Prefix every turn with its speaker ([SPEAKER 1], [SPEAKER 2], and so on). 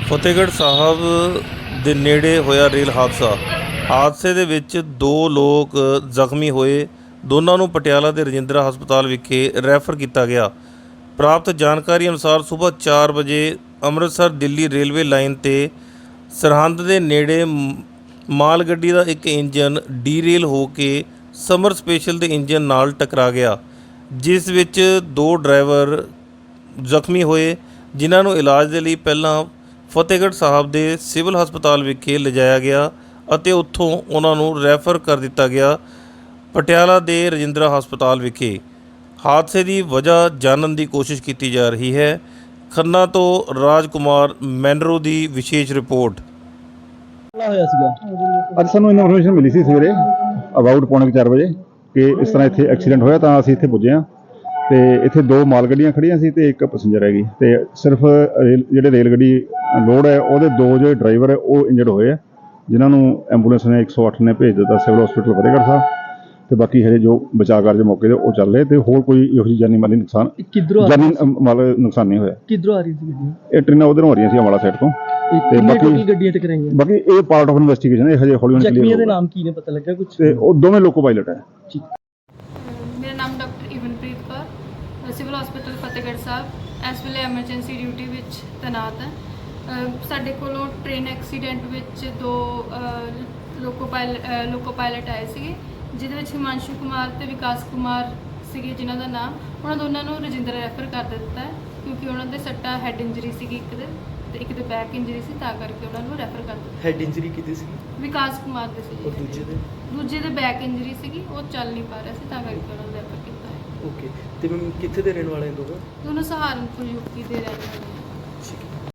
[SPEAKER 1] ਫਤਿਹਗੜ੍ਹ ਸਾਹਿਬ ਦੇ ਨੇੜੇ ਹੋਇਆ ਰੇਲ ਹਾਦਸੇ ਦੇ ਵਿੱਚ 2 ਲੋਕ ਜ਼ਖਮੀ ਹੋਏ। ਦੋਨਾਂ ਨੂੰ ਪਟਿਆਲਾ ਦੇ ਰਜਿੰਦਰਾ ਹਸਪਤਾਲ ਵਿਖੇ ਰੈਫਰ ਕੀਤਾ ਗਿਆ। ਪ੍ਰਾਪਤ ਜਾਣਕਾਰੀ ਅਨੁਸਾਰ ਸਵੇਰ 4 ਵਜੇ ਅੰਮ੍ਰਿਤਸਰ ਦਿੱਲੀ ਰੇਲਵੇ ਲਾਈਨ 'ਤੇ ਸਰਹੰਦ ਦੇ ਨੇੜੇ ਮਾਲ ਗੱਡੀ ਦਾ ਇੱਕ ਇੰਜਨ ਡੀਰੇਲ ਹੋ ਕੇ ਸਮਰ ਸਪੈਸ਼ਲ ਦੇ ਇੰਜਨ ਨਾਲ ਟਕਰਾ ਗਿਆ, ਜਿਸ ਵਿੱਚ 2 ਡਰਾਈਵਰ ਜ਼ਖਮੀ ਹੋਏ, ਜਿਨ੍ਹਾਂ ਨੂੰ ਇਲਾਜ ਦੇ ਲਈ ਪਹਿਲਾਂ ਫਤਿਹਗੜ੍ਹ ਸਾਹਿਬ ਦੇ ਸਿਵਲ ਹਸਪਤਾਲ ਵਿਖੇ ਲਿਜਾਇਆ ਗਿਆ ਅਤੇ ਉੱਥੋਂ ਉਹਨਾਂ ਨੂੰ ਰੈਫਰ ਕਰ ਦਿੱਤਾ ਗਿਆ ਪਟਿਆਲਾ ਦੇ ਰਜਿੰਦਰਾ ਹਸਪਤਾਲ ਵਿਖੇ। ਹਾਦਸੇ ਦੀ ਵਜ੍ਹਾ ਜਾਣਨ ਦੀ ਕੋਸ਼ਿਸ਼ ਕੀਤੀ ਜਾ ਰਹੀ ਹੈ। ਖੰਨਾ ਤੋਂ ਰਾਜਕੁਮਾਰ ਮੈਨਰੋ ਦੀ ਵਿਸ਼ੇਸ਼ ਰਿਪੋਰਟ।
[SPEAKER 2] ਹੋਇਆ ਸੀਗਾ
[SPEAKER 3] ਅੱਜ ਸਾਨੂੰ ਇਨਫੋਰਮੇਸ਼ਨ ਮਿਲੀ ਸੀ ਸਵੇਰੇ ਅਬਾਊਟ 4:45 ਵਜੇ ਕਿ ਇਸ ਤਰ੍ਹਾਂ ਇੱਥੇ ਐਕਸੀਡੈਂਟ ਹੋਇਆ, ਤਾਂ ਅਸੀਂ ਇੱਥੇ ਪੁੱਜੇ ਹਾਂ ਤੇ ਇੱਥੇ 2 ਮਾਲ ਗੱਡੀਆਂ ਖੜੀਆਂ ਸੀ ਤੇ 1 ਪੈਸੇਂਜਰ ਹੈਗੀ ਤੇ ਸਿਰਫ ਜਿਹੜੇ ਰੇਲ ਗੱਡੀ ਲੋਡ ਹੈ ਉਹਦੇ 2 ਜਿਹੜੇ ਡਰਾਈਵਰ ਹੈ ਉਹ ਇੰਜਰਡ ਹੋਏ ਆ, ਜਿਨ੍ਹਾਂ ਨੂੰ ਐਂਬੂਲੈਂਸ ਨੇ 108 ਨੇ ਭੇਜ ਦਿੱਤਾ ਸਿਵਲ ਹਸਪੀਟਲ ਫਤਿਹਗੜ੍ਹ ਸਾਹਿਬ ਤੇ ਬਾਕੀ ਹਜੇ ਜੋ ਬਚਾਅ ਕਾਰਜ ਮੌਕੇ ਤੇ ਉਹ ਚੱਲ ਰਹੇ ਤੇ ਹੋਰ ਕੋਈ ਇਹੋ ਜਿਹੀ ਜਾਨੀ ਮਾਲੀ ਨੁਕਸਾਨ ਨਹੀਂ ਹੋਇਆ।
[SPEAKER 2] ਕਿੱਧਰੋਂ ਆ ਰਹੀ ਸੀ ਗੱਡੀ?
[SPEAKER 3] ਇਹ ਟ੍ਰੇਨਾਂ ਉਧਰੋਂ ਆ ਰਹੀਆਂ ਸੀ ਅੰਬਾਲਾ ਸਾਈਡ ਤੋਂ ਤੇ
[SPEAKER 2] ਬਾਕੀ ਗੱਡੀਆਂ ਟਕਰਾਈਆਂ।
[SPEAKER 3] ਬਾਕੀ ਇਹ ਪਾਰਟ ਆਫ ਇਨਵੈਸਟੀਗੇਸ਼ਨ ਹੈ, ਹਜੇ ਹੌਲੀ
[SPEAKER 2] ਜ਼ਖਮੀਆਂ ਦੇ ਨਾਮ ਕੀ ਨੇ ਪਤਾ ਲੱਗਾ ਕੁਝ?
[SPEAKER 3] ਤੇ ਉਹ ਦੋਵੇਂ ਲੋਕੋ ਪਾਇਲਟ ਹੈ।
[SPEAKER 4] ਮੇਰਾ ਨਾਮ doctor Ivanpreet Kaur, civil hospital Fatehgarh Sahib ਇਸ ਵੇਲੇ ਐਮਰਜੈਂਸੀ ਡਿਊਟੀ ਵਿੱਚ ਤੈਨਾਤ ਹੈ। ਸਾਡੇ ਕੋਲੋਂ ਟ੍ਰੇਨ ਐਕਸੀਡੈਂਟ ਵਿੱਚ 2 ਲੋਕੋ ਪਾਇਲਟ ਆਏ ਸੀਗੇ, ਜਿਹਦੇ ਵਿੱਚ ਹਿਮਾਂਸ਼ੂ ਕੁਮਾਰ ਤੇ ਵਿਕਾਸ ਕੁਮਾਰ ਸੀਗੇ, ਜਿਨ੍ਹਾਂ ਦਾ ਨਾਮ ਉਹਨਾਂ ਦੋਨਾਂ ਨੂੰ ਰਜਿੰਦਰਾ ਰੈਫਰ ਕਰ ਦਿੱਤਾ ਹੈ ਕਿਉਂਕਿ ਉਹਨਾਂ ਦੇ ਸੱਟਾ ਹੈਡ ਇੰਜਰੀ ਸੀਗੀ, ਇੱਕ ਦੇ ਤੇ ਇੱਕ ਦੇ ਬੈਕ ਇੰਜਰੀ ਸੀ, ਤਾਂ ਕਰਕੇ ਉਹਨਾਂ ਨੂੰ ਰੈਫਰ ਕਰ ਦਿੱਤਾ।
[SPEAKER 2] ਹੈਡ ਇੰਜਰੀ ਕਿਤੇ ਸੀ?
[SPEAKER 4] ਵਿਕਾਸ ਕੁਮਾਰ ਦੇ ਸੀ।
[SPEAKER 2] ਔਰ
[SPEAKER 4] ਦੂਜੇ ਦੇ ਬੈਕ ਇੰਜਰੀ ਸੀਗੀ, ਉਹ ਚੱਲ ਨਹੀਂ ਪਾ ਰਿਹਾ ਸੀ, ਤਾਂ ਕਰਕੇ ਉਹਨਾਂ ਨੂੰ ਰੈਫਰ ਕੀਤਾ ਹੈ।
[SPEAKER 2] ਓਕੇ, ਤੇ ਮੈਂ ਕਿੱਥੇ ਦੇ ਰਹਿਣ ਵਾਲੇ ਦੋਨੋਂ?
[SPEAKER 4] ਦੋਨੋਂ ਸਹਾਰਨਪੁਰ ਯੂਪੀ ਦੇ ਰਹਿਣ ਵਾਲੇ।